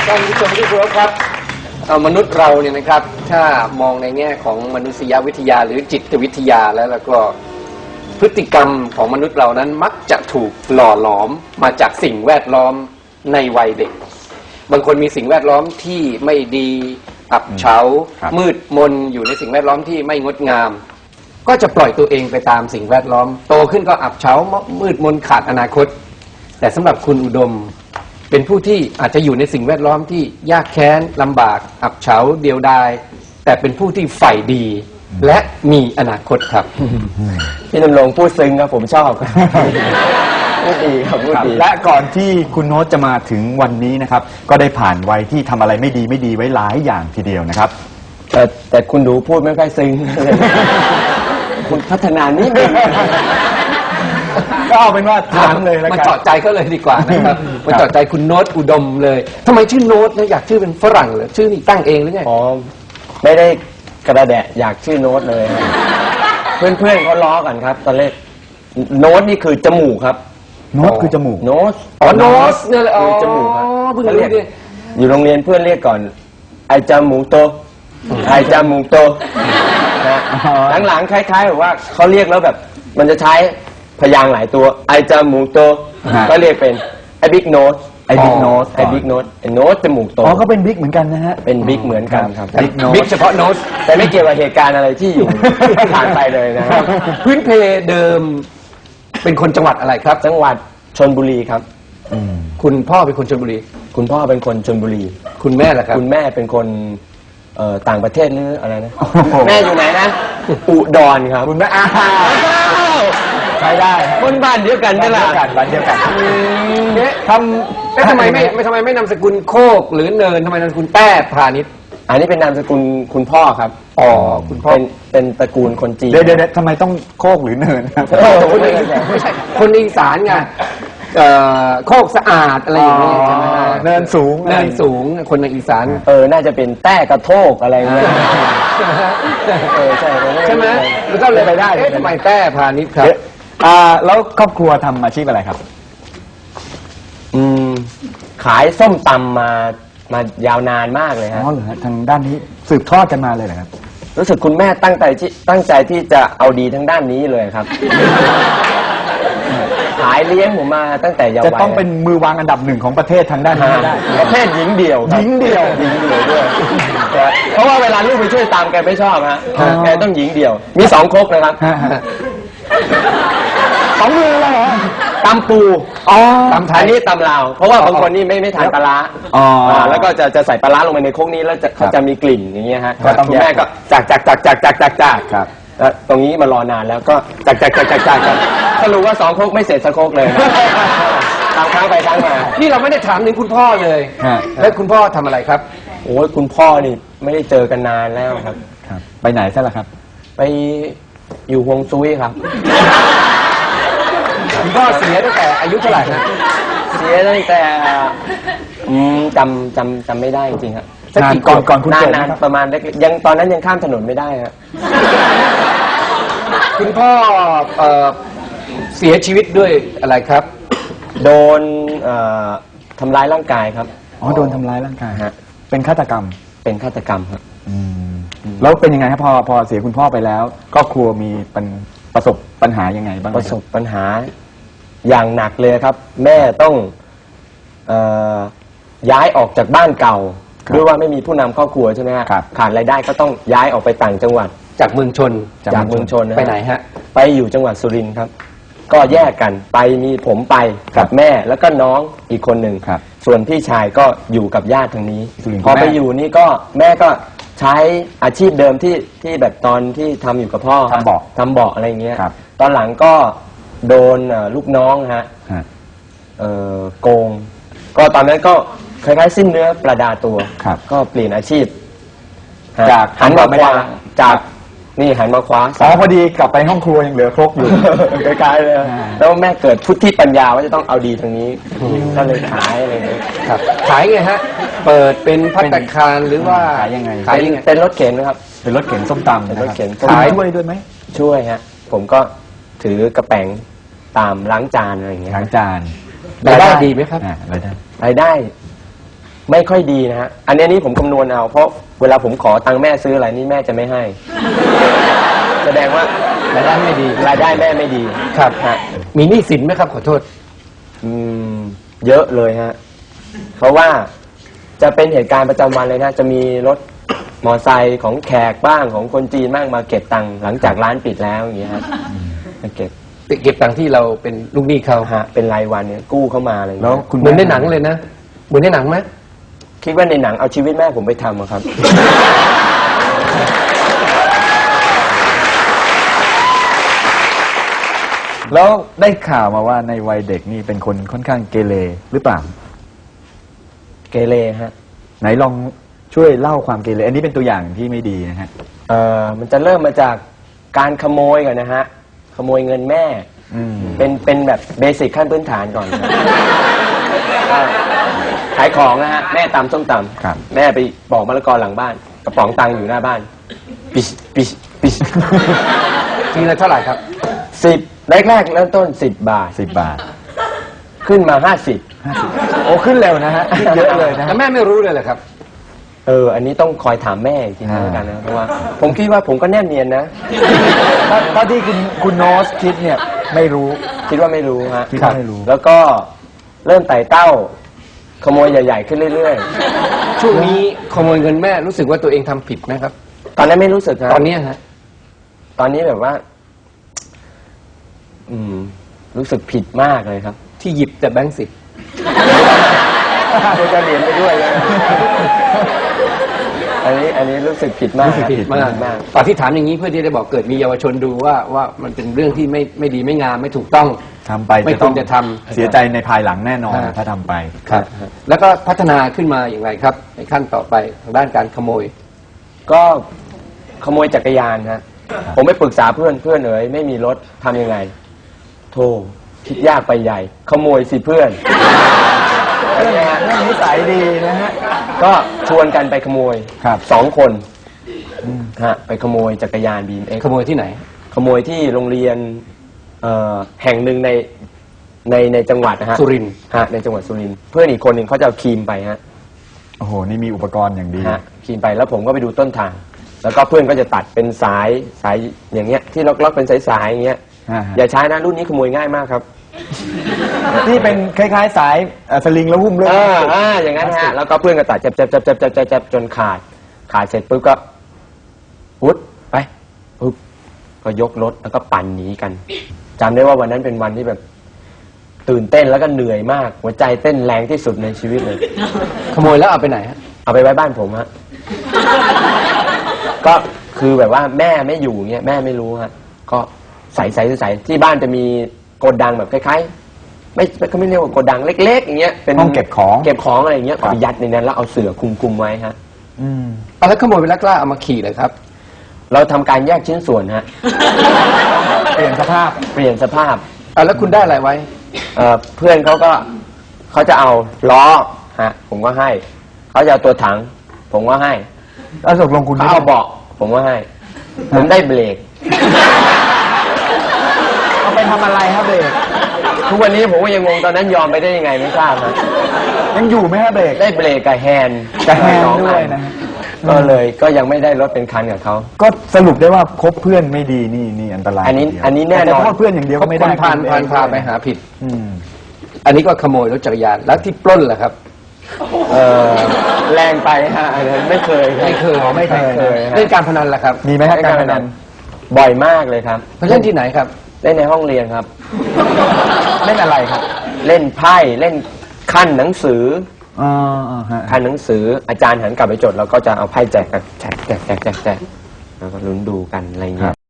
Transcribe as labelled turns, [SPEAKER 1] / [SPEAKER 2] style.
[SPEAKER 1] ท่านผู้ชมที่เคารพครับมนุษย์เราเนี่ยนะครับถ้ามองในแง่ของมนุษยวิทยาหรือจิตวิทยาแล้วก็พฤติกรรมของมนุษย์เรานั้นมักจะถูกหล่อหลอมมาจากสิ่งแวดล้อมในวัยเด็กบางคนมีสิ่งแวดล้อมที่ไม่ดีอับเฉามืดมนอยู่ในสิ่งแวดล้อมที่ไม่งดงามก็จะปล่อยตัวเองไปตามสิ่งแวดล้อมโตขึ้นก็อับเฉามืดมนขาดอนาคตแต่สำหรับคุณอุดมเป็นผู้ที่อาจจะอยู่ในสิ่งแวดล้อมที่ยากแค้นลำบากอับเฉาเดียวดายแต่เป็นผู้ที่ใฝ่ดีและมีอนาคตครับ
[SPEAKER 2] พี่ดำรงพูดซึ้งครับผมชอบพูดดีครับพูดดี
[SPEAKER 3] และก่อนที่คุณโน้ตจะมาถึงวันนี้นะครับก็ได้ผ่านวัยที่ทำอะไรไม่ดีไว้หลายอย่างทีเดียวนะครับ
[SPEAKER 2] แต่คุณดูพูดไม่ค่อยซึ้งเลยคุณพัฒนานิดนึง
[SPEAKER 3] ก็เอาเป็นว่าถามเลยแล้วกัน
[SPEAKER 1] มาเจาะใจเขาเลยดีกว่านะครับมาเจาะใจคุณโน้ตอุดมเลยทำไมชื่อโน้ตนะอยากชื่อเป็นฝรั่งเหรอชื่อนี่ตั้งเองหรือไง
[SPEAKER 2] อ๋อไม่ได้กระแดะอยากชื่อโน้ตเลยเพื่อนเขาล้อกันครับตอนแรกโน้ตนี่คือจมูกครับ
[SPEAKER 3] โน้ตคือจมูก
[SPEAKER 2] โน้ต
[SPEAKER 1] โน้ตเนี่ยเลย
[SPEAKER 2] จมูกครับ
[SPEAKER 1] เพิ่งเรียก
[SPEAKER 2] อยู่โรงเรียนเพื่อนเรียกก่อนไอจมูกโตไอจมูกโตหลังๆคล้ายๆแบบว่าเขาเรียกแล้วแบบมันจะใช้พยางค์หลายตัวไอจมูกโตก็เรียกเป็นไอบิ๊กโน้ต
[SPEAKER 3] ไอบิ๊กโน้ต
[SPEAKER 2] ไอบิ๊กโน้ตไอโน้ตจมูกโต
[SPEAKER 3] อ๋อก็เป็นบิ๊กเหมือนกันนะฮะ
[SPEAKER 2] เป็นบิ๊กเหมือนกันครับ
[SPEAKER 1] บิ๊กเฉพาะโน้ต
[SPEAKER 2] แต่ไม่เกี่ยวกับเหตุการณ์อะไรที่อยู่ผ่านไปเลยนะครับ
[SPEAKER 1] พื้นเพเดิมเป็นคนจังหวัดอะไรครับ
[SPEAKER 2] จังหวัดชลบุรีครับ
[SPEAKER 1] คุณพ่อเป็นคนชลบุรี
[SPEAKER 2] คุณพ่อเป็นคนชลบุรี
[SPEAKER 1] คุณแม่ล่ะครับ
[SPEAKER 2] คุณแม่เป็นคนต่างประเทศหรืออะไรนะแม่อยู่ไหนนะอุดรครับ
[SPEAKER 3] คุณแม่
[SPEAKER 2] ใช้ได้คนบ้านเดียวกันนี่แหละ
[SPEAKER 3] บ้านเดียวกัน
[SPEAKER 1] ทำไมไม่นามสกุลโคกหรือเนินทำไมนามสกุลแต้พาณิชย์
[SPEAKER 2] อันนี้เป็นนามสกุลคุณพ่อครับ
[SPEAKER 1] อ๋อคุณพ่อ
[SPEAKER 2] เป็นตระกูลคนจีน
[SPEAKER 3] เดี๋ยวทำไมต้องโคกหรือเนินครับ
[SPEAKER 1] ไม่ใช่คนอีสานไงโคกสะอาดอะไรอย่างนี้ใช่ไหม
[SPEAKER 3] เนินสูง
[SPEAKER 1] คนในอีสาน
[SPEAKER 2] น่าจะเป็นแต้กระโทกอะไรเงี้ย
[SPEAKER 1] ใช่ไหมแล้วก็เลยไปได้ทำไมแต้พาณิชย์ครับ
[SPEAKER 3] แล้วครอบครัวทำอาชีพอะไรครับ
[SPEAKER 2] ขายส้มตำมายาวนานมากเลยครับ
[SPEAKER 3] อ๋อเหรอทางด้านนี้สืบทอดกันมาเลยเหรอครับ
[SPEAKER 2] รู้สึกคุณแม่ตั้งใจที่จะเอาดีทั้งด้านนี้เลยครับขายเลี้ยงผมมาตั้งแต่เยาว์วัย
[SPEAKER 3] จะต้องเป็นมือวางอันดับหนึ่งของประเทศทางด้านนี้ได้
[SPEAKER 2] ประเภทหญิงเดี่ยว
[SPEAKER 3] หญิงเดี่ยว
[SPEAKER 2] ด้วยเพราะว่าเวลาลูกไปช่วยตามแกไม่ชอบฮะแกต้องหญิงเดี่ยวมี2 ครกนะครับ
[SPEAKER 3] 2 มือเลยเหรอ
[SPEAKER 2] ตำปูตำไทยนี่ตำลาวเพราะว่าบางคนนี่ไม่ทานปลาร้าแล้วก็จะใส่ปลาร้าลงไปในครกนี้แล้วเขาจะมีกลิ่นอย่างเงี้ยฮะคุณแม่ก็จักครับแล้วตรงนี้มารอนานแล้วก็จักสรุปว่า2 ครกไม่เสร็จสักครกเลยตามครั้งไปครั้งมา
[SPEAKER 1] นี่เราไม่ได้ถามถึงคุณพ่อเลยแล้วคุณพ่อทำอะไรครับ
[SPEAKER 2] โอ้ยคุณพ่อนี่ไม่ได้เจอกันนานแล้วครับ
[SPEAKER 3] ไปไหนซะล่ะครับ
[SPEAKER 2] ไปอยู่ฮวงซุยครับ
[SPEAKER 1] คุณพ่อเสียตั้งแต่อายุเท่าไหร่นะ
[SPEAKER 2] เสียตั้งแต่จำไม่ได้จริงๆครับ
[SPEAKER 3] ก่อนคุณเกิด
[SPEAKER 2] นานประมาณยังตอนนั้นยังข้ามถนนไม่ได้ครับ
[SPEAKER 1] คุณพ่อเสียชีวิตด้วยอะไรครับ
[SPEAKER 2] โดนทำร้ายร่างกายครับ
[SPEAKER 3] อ๋อโดนทำร้ายร่างกายฮะเป็นฆาตกรรม
[SPEAKER 2] ครับ
[SPEAKER 3] แล้วเป็นยังไงครับพอเสียคุณพ่อไปแล้วครอบครัวมีประสบปัญหายังไงบ้าง
[SPEAKER 2] ประสบปัญหาอย่างหนักเลยครับแม่ต้องย้ายออกจากบ้านเก่าด้วยว่าไม่มีผู้นำครอบครัวใช่ไหมครับขาดรายได้ก็ต้องย้ายออกไปต่างจังหวัด
[SPEAKER 1] จากเมืองชนไปไหนฮะ
[SPEAKER 2] ไปอยู่จังหวัดสุรินทร์ครับก็แยกกันไปมีผมไปกับแม่แล้วก็น้องอีกคนหนึ่งส่วนพี่ชายก็อยู่กับญาติทางนี้พอไปอยู่นี่ก็แม่ก็ใช้อาชีพเดิมที่แบบตอนที่ทำอยู่กับพ่อทำเบาะอะไรเงี้ยตอนหลังก็โดนลูกน้องฮะโกงก็ตอนนั้นก็คล้ายๆสิ้นเนื้อประดาตัวก็เปลี่ยนอาชีพจากหันมาขวาจากนี่หันมาขวา
[SPEAKER 3] พอดีกลับไปห้องครัวยังเหลือครกอยู่
[SPEAKER 2] คล้ายๆเลยแล้วแม่เกิดพุทธิปัญญาว่าจะต้องเอาดีทางนี้ก็เลยขายอะไรเงี้ย
[SPEAKER 1] ขายไงฮะเปิดเป็นภัตตาคารหรือว่า
[SPEAKER 3] ขายยังไง
[SPEAKER 2] เป็นรถเข็นนะครับ
[SPEAKER 3] เป็นรถเข็นส้มตำ
[SPEAKER 2] เป็นรถเข็น
[SPEAKER 3] ขายด้วยไหม
[SPEAKER 2] ช่วยฮะผมก็ถือกระแป๋งตามล้างจานอะไรอย่างเงี้ย
[SPEAKER 3] ล้างจาน
[SPEAKER 1] รายได้ดีไหมครับ
[SPEAKER 2] รายได้ไม่ค่อยดีนะฮะอันนี้ผมคำนวณเอาเพราะเวลาผมขอตังค์แม่ซื้ออะไรนี่แม่จะไม่ให้ แสดงว่าร
[SPEAKER 1] ายได้ไม่ดี
[SPEAKER 2] รายได้แม่ไม่ดี
[SPEAKER 1] ครับ
[SPEAKER 2] ฮะ
[SPEAKER 1] มีหนี้สินไหมครับขอโทษ
[SPEAKER 2] เยอะเลยฮะเพราะว่าจะเป็นเหตุการณ์ประจำวันเลยนะจะมีรถมอไซค์ของแขกบ้างของคนจีนบ้างมาเก็บตังค์หลังจากร้านปิดแล้วอย่างเงี้ยฮะมาเก็บ
[SPEAKER 1] เก็บตังค์ที่เราเป็นลูกหนี้เขา
[SPEAKER 2] ฮะเป็นรายวันเนี่ยกู้เข้ามาอะไรอย่าง
[SPEAKER 3] แล้ว
[SPEAKER 2] เงี้ย
[SPEAKER 3] คุณ
[SPEAKER 1] เหมือนในหนังเลยนะเหมือนในหนังไหม
[SPEAKER 2] คิดว่าในหนังเอาชีวิตแม่ผมไปทำอะครับ
[SPEAKER 3] แล้วได้ข่าวมาว่าในวัยเด็กนี่เป็นคนค่อนข้างเกเรหรือเปล่า
[SPEAKER 2] เกเรฮะ
[SPEAKER 3] ไหนลองช่วยเล่าความเกเรอันนี้เป็นตัวอย่างที่ไม่ดีนะฮะ
[SPEAKER 2] มันจะเริ่มมาจากการขโมยก่อนนะฮะขโมยเงินแม่
[SPEAKER 3] อืม
[SPEAKER 2] เป็นแบบเบสิกขั้นพื้นฐานก่อนครับขายของนะฮะแม่ตำส้มต
[SPEAKER 3] ครับ
[SPEAKER 2] ำแม่ไปปอกมะละกอหลังบ้านกระป๋องตังค์อยู่หน้าบ้านปิชปิชปิช
[SPEAKER 1] ทีละเท่าไหร่ครับ
[SPEAKER 2] 10แรกๆเริ่มต้น10 บาท
[SPEAKER 3] 10 บาท
[SPEAKER 2] ขึ้นมา50
[SPEAKER 3] โอ้ขึ้นเร็วนะฮะขึ้นเยอะเลยนะ
[SPEAKER 1] แล้
[SPEAKER 3] ฮะ
[SPEAKER 1] วแม่ไม่รู้เลยเหรอครับ
[SPEAKER 2] อันนี้ต้องคอยถามแม่อีกทีนึง
[SPEAKER 3] อ่า
[SPEAKER 2] แล้วกันนะเพราะว่าผมคิดว่าผมก็แนบเนียนนะ
[SPEAKER 3] ถ้าที่คุณโนสคิดเนี่ยไม่รู้
[SPEAKER 2] คิดว่าไม่รู้ฮะ
[SPEAKER 3] คิดว่าไม่รู้
[SPEAKER 2] แล้วก็เริ่มไต่เต้า ขโมยใหญ่ ๆ ขึ้นเรื่อย
[SPEAKER 1] ช่วงนี้ขโมยเงินแม่รู้สึกว่าตัวเองทำผิดไหมครับ
[SPEAKER 2] ๆ ตอนนั้นไม่รู้สึกฮะ
[SPEAKER 1] ตอนนี้ฮะ
[SPEAKER 2] ตอนนี้แบบว่า รู้สึกผิดมากเลยครับ
[SPEAKER 1] ที่หยิบแต่แบงค์สิบ
[SPEAKER 2] เดี๋ยวจะเหรียญไปด้วยเลยอันนี้รู้สึกผิดมาก
[SPEAKER 3] รู้สึกผิด
[SPEAKER 1] มากตอนที่ถามอย่างนี้เพื่อที่จะบอกเกิดมีเยาวชนดูว่ามันเป็นเรื่องที่ไม่ดีไม่งามไม่ถูกต้อง
[SPEAKER 3] ทำไป
[SPEAKER 1] ไม่ควรจะทำ
[SPEAKER 3] เสียใจในภายหลังแน่นอน
[SPEAKER 1] ฮะ
[SPEAKER 3] ถ้าทำไป
[SPEAKER 1] ครับ แล้วก็พัฒนาขึ้นมาอย่างไรครับ ในขั้นต่อไปทางด้านการขโมย
[SPEAKER 2] ก็ขโมยจักรยานฮะผมไปปรึกษาเพื่อนเอ๋ยไม่มีรถทำยังไง โธ่คิดยากไปใหญ่ ขโมยสิเพื่อน
[SPEAKER 3] เรื่องนิสัยดีนะฮะ
[SPEAKER 2] ก็ชวนกันไปขโมย
[SPEAKER 3] ครับ
[SPEAKER 2] 2 คนฮะไปขโมยจักรยานBMX
[SPEAKER 1] ขโมยที่ไหน
[SPEAKER 2] ขโมยที่โรงเรียนแห่งหนึ่งในจังหวัดนะฮะ
[SPEAKER 1] สุรินทร์
[SPEAKER 2] ฮะในจังหวัดสุรินทร์เพื่อนอีกคนหนึ่งเขาจะเอาครีมไปฮะ
[SPEAKER 3] โอ้โห นี่มีอุปกรณ์อย่างดี
[SPEAKER 2] ฮะครีมไปแล้วผมก็ไปดูต้นทาง แล้วก็เพื่อนก็จะตัดเป็นสายอย่างเงี้ยที่ล็อกๆเป็นสายๆอย่างเงี้ย
[SPEAKER 3] อ่าฮะ
[SPEAKER 2] อย่าใช้นะรุ่นนี้ขโมยง่ายมากครับ
[SPEAKER 3] ที่เป็นคล้ายๆสายสลิงแล้วหุ้มด้วย
[SPEAKER 2] อย่างนั้นฮะแล้วก็เพื่อนก็ตัดจับจนขาดเสร็จปุ๊บก็ปุ๊บไปปุ๊บก็ยกรถแล้วก็ปั่นหนีกันจำได้ว่าวันนั้นเป็นวันที่แบบ ตื่นเต้นแล้วก็เหนื่อยมาก หัวใจเต้นแรงที่สุดในชีวิตเลย
[SPEAKER 1] ขโมยแล้วเอาไปไหนฮะ
[SPEAKER 2] เอาไปไว้บ้านผมฮะ ก็คือแบบว่าแม่ไม่อยู่เงี้ยแม่ไม่รู้ฮะก็ใส่ที่บ้านจะมีโกดังแบบคล้ายๆเขาไม่เรียกว่าโกดังเล็กๆอย่างเงี้ยเป็น
[SPEAKER 3] ห้องเก็บของ
[SPEAKER 2] อะไรอย่างเงี้ยก็ไปยัดในนั้นแล้วเอาเสื่อคลุมไว้ฮะ
[SPEAKER 3] อืม
[SPEAKER 1] เอาแล้วขโมยไปแล้วกล้าเอามาขี่เลยครับ
[SPEAKER 2] เราทำการแยกชิ้นส่วนฮะ
[SPEAKER 3] เปลี่ยนสภาพ
[SPEAKER 2] เปลี่ยนสภาพ
[SPEAKER 1] เอาแล้วคุณได้อะไรไว้
[SPEAKER 2] เพื่อนเขาจะเอาล้อฮะผมก็ให้เขาจะเอาตัวถัง ผมก็ให้
[SPEAKER 3] แล้วตกลงคุณ
[SPEAKER 2] เขาเอาเบาะผมก็ให้ ผมได้เบรก
[SPEAKER 3] เอาไปทำอะไรครับเบรก
[SPEAKER 2] ทุกวันนี้ผมก็ยังงงตอนนั้นยอมไปได้ยังไงไม่ทราบฮะ
[SPEAKER 3] ยังอยู่ไหมฮะเบรก
[SPEAKER 2] ได้เบรกกับแฮนด์
[SPEAKER 3] กับแฮนด์
[SPEAKER 2] สอง
[SPEAKER 3] ด้วย
[SPEAKER 2] อั
[SPEAKER 3] นะฮะ
[SPEAKER 2] ก็ยังไม่ได้รถเป็นคันกับเขา
[SPEAKER 3] ก็สรุปได้ว่าคบเพื่อนไม่ดีนี่อันตราย
[SPEAKER 2] อันนี้
[SPEAKER 3] ทีเดียว
[SPEAKER 2] อันนี้แน่นอน
[SPEAKER 3] แต่โทษเพื่อนอย่างเดียวก็ไม่ได้
[SPEAKER 1] คนพานพาไปหาผิด
[SPEAKER 3] อืม
[SPEAKER 1] อันนี้ก็ขโมยรถจักรยาน แล้วที่ปล้นล่ะครับ
[SPEAKER 2] แรงไปฮะอันนั้นไม่เคยครับ
[SPEAKER 1] ไม่เคย
[SPEAKER 3] ไม่เคย
[SPEAKER 2] ฮะ
[SPEAKER 1] เล่นการพนันล่ะครับ
[SPEAKER 3] มีไหมฮะการพนัน
[SPEAKER 2] บ่อยมากเลยครับ
[SPEAKER 1] ไปเล่นที่ไหนครับ
[SPEAKER 2] เล่นในห้องเรียนครับ
[SPEAKER 3] เล่นอะไรครับ
[SPEAKER 2] เล่นไพ่เล่นขั้นหนังสือ
[SPEAKER 3] อ๋อฮะ
[SPEAKER 2] ขั้นหนังสืออาจารย์หันกลับไปจดเราก็จะเอาไพ่แจกกันแจกแล้วก็ลุ้นดูกันอะไรเงี้ย